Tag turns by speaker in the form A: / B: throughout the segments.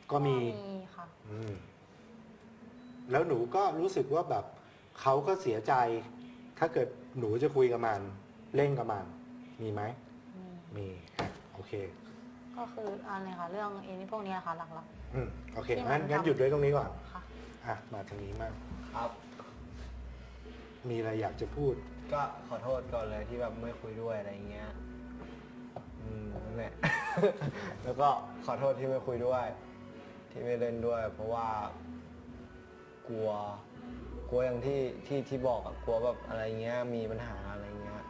A: ก็มี
B: ค่ะ
A: แล้วหนูก็รู้สึกว่าแบบเขาก็เสียใจ ถ้าเกิดหนูจะคุยกับมันเล่นกับมันมีไหมมีโอเค
B: ก็คืออะไรคะเรื่องนี้พวกนี้ค่ะหลัก
A: โอเคงั้นหยุดด้วยตรงนี้ก่อน
B: ค่ะ
A: มาทางนี้มาก
C: ครับ
A: มีอะไรอยากจะพูด
C: ก็ขอโทษก่อนเลยที่แบบไม่คุยด้วยอะไรเงี้ยนั่นแหละ แล้วก็ขอโทษที่ไม่คุยด้วย ที่ไม่เล่นด้วย เพราะว่ากลัวอย่างที่บอกอะกลัวแบบอะไรเงี้ยมีปัญหาอะไรเงี้ย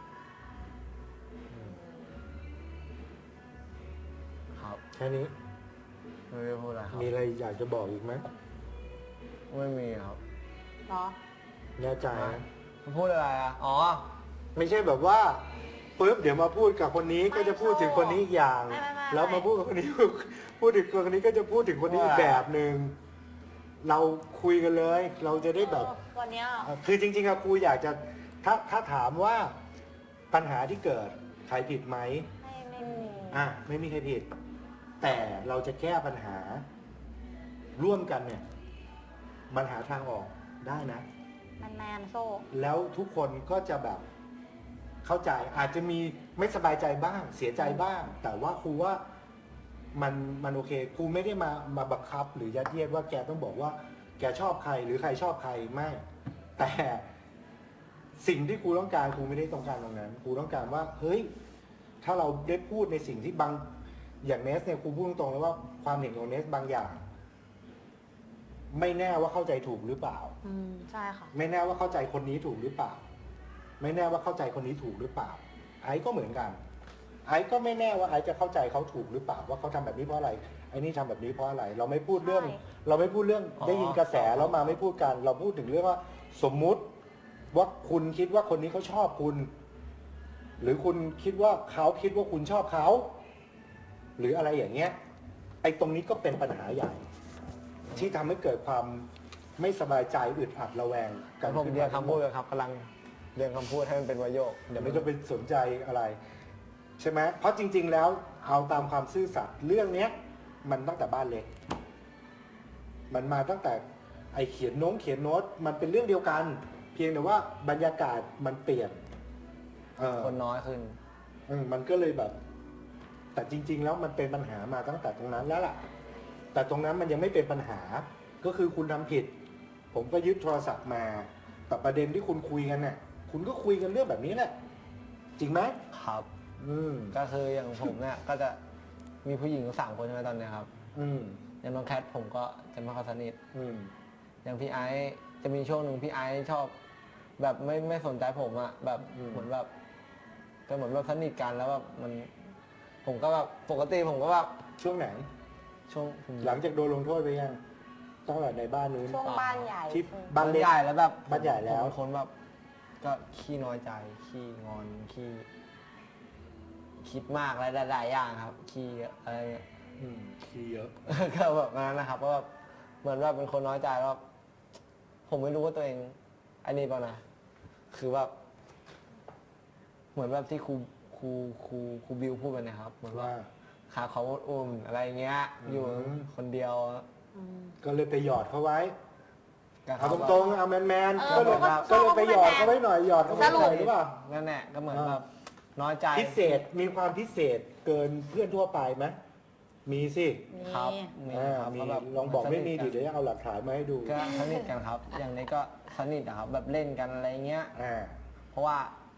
C: ครับ
A: แค่นี้
C: ไม่ได้พูดอะไรครับ
A: มีอะไรอยากจะบอกอีกไหม
C: ไม่มีครับ
B: เหรอ
A: แน่ใจนะ
C: พูดอะไรอ่ะอ๋อ
A: ไม่ใช่แบบว่าปุ๊บเดี๋ยวมาพูดกับคนนี้ก็จะพูดถึงคนนี้อีกอย่างแล้วมาพูดกับคนนี้พูดถึงคนนี้ก็จะพูดถึงคนนี้อีกแบบหนึ่งเราคุยกันเลยเราจะได้แบบ
B: วันนี้
A: คือจริงๆอะครูอยากจะถ้าถามว่าปัญหาที่เกิดใครผิดไหม
B: ไม่มี
A: ไม่มีใครผิด แต่เราจะแก้ปัญหาร่วมกันเนี่ยมันหาทางออกได้นะ
B: แมนโซ่
A: แล้วทุกคนก็จะแบบเข้าใจอาจจะมีไม่สบายใจบ้างเสียใจบ้าง แต่ว่าครูว่ามันโอเคครูไม่ได้มาบังคับหรือยัดเยียดว่าแกต้องบอกว่าแกชอบใครหรือใครชอบใครไม่แต่สิ่งที่ครูต้องการครูไม่ได้ต้องการตรงนั้นครูต้องการว่าเฮ้ยถ้าเราได้พูดในสิ่งที่บางอย่างเนสเนี่ยครูพูดตรงๆเลยว่าความเห็นของเนสบางอย่างไม่แน่ว่าเข้าใจถูกหรือเปล่า
B: ใช่ค่ะ
A: ไม่แน่ว่าเข้าใจคนนี้ถูกหรือเปล่าไม่แน่ว่าเข้าใจคนนี้ถูกหรือเปล่าไอ้ก็เหมือนกันไอ้ก็ไม่แน่ว่าไอ้จะเข้าใจเขาถูกหรือเปล่าว่าเขาทำแบบนี้เพราะอะไรไอ้นี่ทำแบบนี้เพราะอะไรเราไม่พูดเรื่องได้ยินกระแสแล้วมาไม่พูดกันเราพูดถึงเรื่องว่าสมมุติว่าคุณคิดว่าคนนี้เขาชอบคุณหรือคุณคิดว่าเขาคิดว่าคุณชอบเขาหรืออะไรอย่างเงี้ยไอ้ตรงนี้ก็เป็นปัญหาใหญ่ที่ทำให้เกิดความไม่สบายใจอึดอัดระแวง
C: กันผมเรียนคำพูดเลยครับกำลังเรียนคำพูดให้มันเป็นวโยค
A: เดี๋ยวไม่ต้องไปสนใจอะไรใช่ไหมเพราะจริงๆแล้วเอาตามความซื่อสัตย์เรื่องเนี้ยมันตั้งแต่บ้านเล็กมันมาตั้งแต่ไอเขียนโน้ตมันเป็นเรื่องเดียวกันเพียงแต่ว่าบรรยากาศมันเปลี่ยน
C: คนน้อยขึ้น
A: มันก็เลยแบบแต่จริงๆแล้วมันเป็นปัญหามาตั้งแต่ตรงนั้นแล้วล่ะแต่ตรงนั้นมันยังไม่เป็นปัญหาก็คือคุณทำผิดผมก็ยึดโทรศัพท์มาแต่ประเด็นที่คุณคุยกันเนี่ยคุณก็คุยกันเรื่องแบบนี้แหละจริงไหม
C: ครับก็คืออย่างผมเนี่ยก็จะมีผู้หญิง3 คนใช่ไหมตอนนี้ครับอย่างน้องแคทผมก็จะไม่ค่อยสนิทอย่างพี่ไอซ์จะมีช่วงหนึ่งพี่ไอซ์ชอบแบบไม่สนใจผมอะแบบเหมือนแบบก็เหมือนแบบสนิทกันแล้วแบบผมก็แบบปกติผมก็แบบ
A: ช่วงไหน
C: ช่วง
A: หลังจากโดนลงโทษไปยังตั้งแต่ในบ้านนู้น
B: ช่วงบ้านใหญ่
A: ที่บ้าน
C: ใหญ่แล้วแบบ
A: บ้านใหญ่แล้ว
C: คนแบบก็ขี้น้อยใจขี้งอนขี้คิดมากอะไรหลายๆอย่างครับขี้อะไร
A: ขี้เยอะ
C: ก็แบบนั้นนะครับก็แบบเหมือนว่าเป็นคนน้อยใจแล้วผมไม่รู้ว่าตัวเองอันนี้เปล่านะคือแบบเหมือนแบบที่ครูบิวพูดไปนะครับเหมือนว่าขาเขาอุ่มอะไรเงี้ยอยู่คนเดียว
A: ก็เลยไปหยอดเขาไว้เอาตรงๆเอาแมนๆก็เลยไปหยอดเขาไว้หน่อยหยอดเขาไว้หน่อยหรือเปล่า
C: นั่นแหละก็เหมือนแบบน้อยใจ
A: พิเศษมีความพิเศษเกินเพื่อนทั่วไปไหมมีสิ
C: ครับ
A: มีลองบอกไม่มีดิเดี๋ยวเอาหลักฐานมาให้ดู
C: ก็สนิทกันครับอย่างนี้ก็สนิทครับแบบเล่นกันอะไรเงี้ยเพราะว่า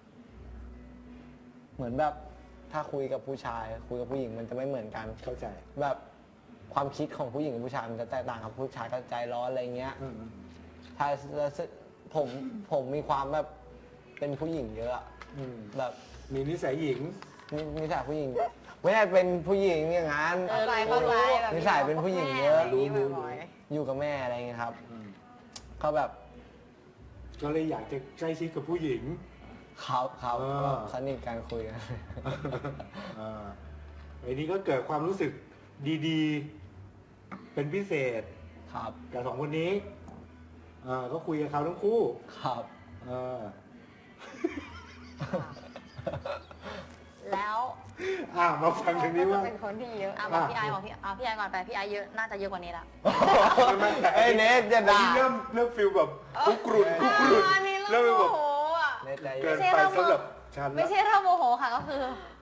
C: เหมือนแบบถ้าคุยกับผู้ชายคุยกับผู้หญิงมันจะไม่เหมือนกัน
A: เข้าใจ
C: แบบความคิดของผู้หญิงกับผู้ชายมันจะแตกต่างครับผู้ชายก็ใจร้อนอะไรเงี้ยใช่ผมมีความแบบเป็นผู้หญิงเยอะแบบ
A: มีนิสัยหญิง
C: นิสัยผู้หญิงไม่ใช่เป็นผู้หญิงอย่างนั้นนิสัยเป็นผู้หญิงเยอะ
A: รู้
C: อยู่กับแม่อะไรเงี้ยครับเขาแบบ
A: ก็เลยอยากจะใกล้ชิดกับผู้หญิง
C: เขาสนิทกันคุยกัน
A: ไอ้นี้ก็เกิดความรู้สึกดีๆเป็นพิเศษ
C: ครับ
A: กับ2 คนนี้ก็คุยกับเขาทั้งคู่
C: ครับ
B: แล้ว
A: มาฟังทางนี้ว่า
B: เป็นคนที่เยอะบอกพี่ไอบอกพี่ไอก่อนไปพี่ไอเยอะน่าจะเยอะกว่านี้ละ
C: ไอ้เนทจะด่า
A: เริ่มฟิลแบบคุกรุ่น
B: อันนี้
A: เริ่ม
B: เริ่ม
A: แบบ
B: โมโหอ่ะ
C: เนทใจ
A: เกิ
C: เย็
A: น
C: น
A: ไปสำหรับฉัน
B: ไม่ใช่เริ่มโมโหค่ะก็คือ